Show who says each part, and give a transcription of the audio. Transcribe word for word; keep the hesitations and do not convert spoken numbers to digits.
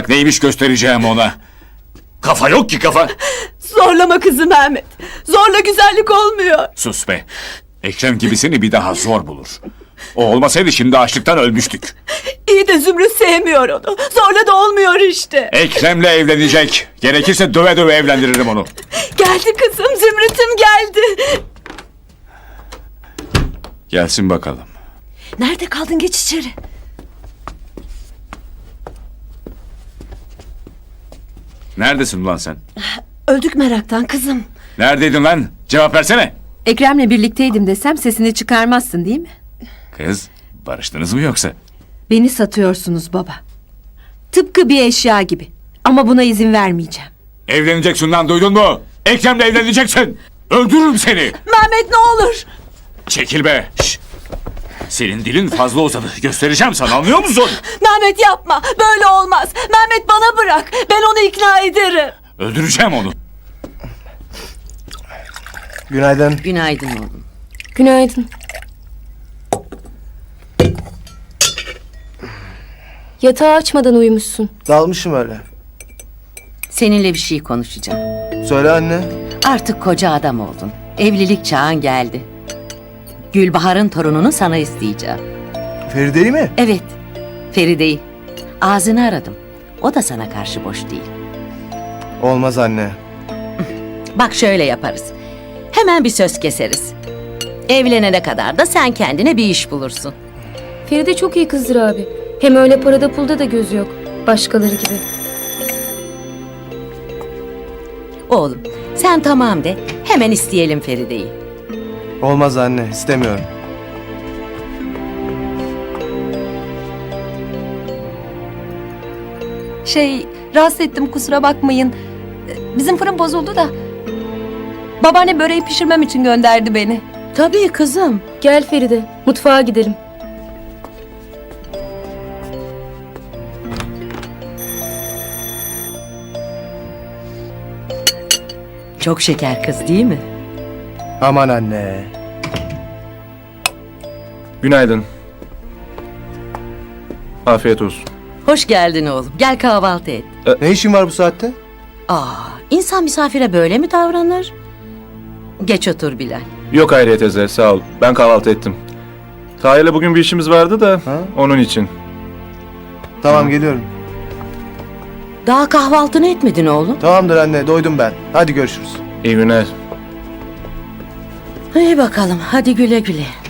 Speaker 1: Neymiş göstereceğim ona. Kafa yok ki kafa.
Speaker 2: Zorlama kızı Mehmet. Zorla güzellik olmuyor.
Speaker 1: Sus be. Ekrem gibisini bir daha zor bulur. O olmasaydı şimdi açlıktan ölmüştük.
Speaker 2: İyi de Zümrüt sevmiyor onu. Zorla da olmuyor işte.
Speaker 1: Ekrem'le evlenecek. Gerekirse döve döve evlendiririm onu.
Speaker 2: Geldi kızım, Zümrüt'üm geldi.
Speaker 1: Gelsin bakalım.
Speaker 2: Nerede kaldın, geç içeri.
Speaker 1: Neredesin ulan sen?
Speaker 2: Öldük meraktan kızım.
Speaker 1: Neredeydin lan? Cevap versene.
Speaker 3: Ekrem'le birlikteydim desem sesini çıkarmazsın değil mi?
Speaker 1: Kız, barıştınız mı yoksa?
Speaker 3: Beni satıyorsunuz baba. Tıpkı bir eşya gibi. Ama buna izin vermeyeceğim.
Speaker 1: Evleneceksin lan, duydun mu? Ekrem'le evleneceksin. Öldürürüm seni.
Speaker 2: Mehmet ne olur.
Speaker 1: Çekil be. Şş. Senin dilin fazla uzadı. Göstereceğim sana, anlıyor musun?
Speaker 2: Mehmet yapma, böyle olmaz. Mehmet bana bırak, ben onu ikna ederim.
Speaker 1: Öldüreceğim onu.
Speaker 4: Günaydın.
Speaker 5: Günaydın oğlum.
Speaker 6: Günaydın. Yatağı açmadan uyumuşsun.
Speaker 4: Dalmışım öyle.
Speaker 5: Seninle bir şey konuşacağım.
Speaker 4: Söyle anne.
Speaker 5: Artık koca adam oldun. Evlilik çağın geldi. Gülbahar'ın torununu sana isteyeceğim.
Speaker 4: Feride'yi mi?
Speaker 5: Evet, Feride'yi. Ağzını aradım. O da sana karşı boş değil.
Speaker 4: Olmaz anne.
Speaker 5: Bak şöyle yaparız. Hemen bir söz keseriz. Evlenene kadar da sen kendine bir iş bulursun.
Speaker 6: Feride çok iyi kızdır abi. Hem öyle parada pulda da gözü yok. Başkaları gibi.
Speaker 5: Oğlum, sen tamam de. Hemen isteyelim Feride'yi.
Speaker 4: Olmaz anne, istemiyorum.
Speaker 3: Şey, rahatsız ettim kusura bakmayın. Bizim fırın bozuldu da. Babaanne böreği pişirmem için gönderdi beni.
Speaker 5: Tabii kızım.
Speaker 6: Gel Feride, mutfağa gidelim.
Speaker 5: Çok şeker kız değil mi?
Speaker 4: Aman anne.
Speaker 7: Günaydın. Afiyet olsun.
Speaker 5: Hoş geldin oğlum. Gel kahvaltı et.
Speaker 4: Ne işin var bu saatte?
Speaker 5: Aa, insan misafire böyle mi davranır? Geç otur Bilal.
Speaker 7: Yok Hayriye teyze, sağ ol. Ben kahvaltı ettim. Tahir'le bugün bir işimiz vardı da
Speaker 4: Ha?
Speaker 7: onun için.
Speaker 4: Tamam geliyorum.
Speaker 5: Daha kahvaltını etmedin oğlum.
Speaker 4: Tamamdır anne, doydum ben. Hadi görüşürüz.
Speaker 7: İyi günler.
Speaker 5: İyi bakalım. Hadi güle güle.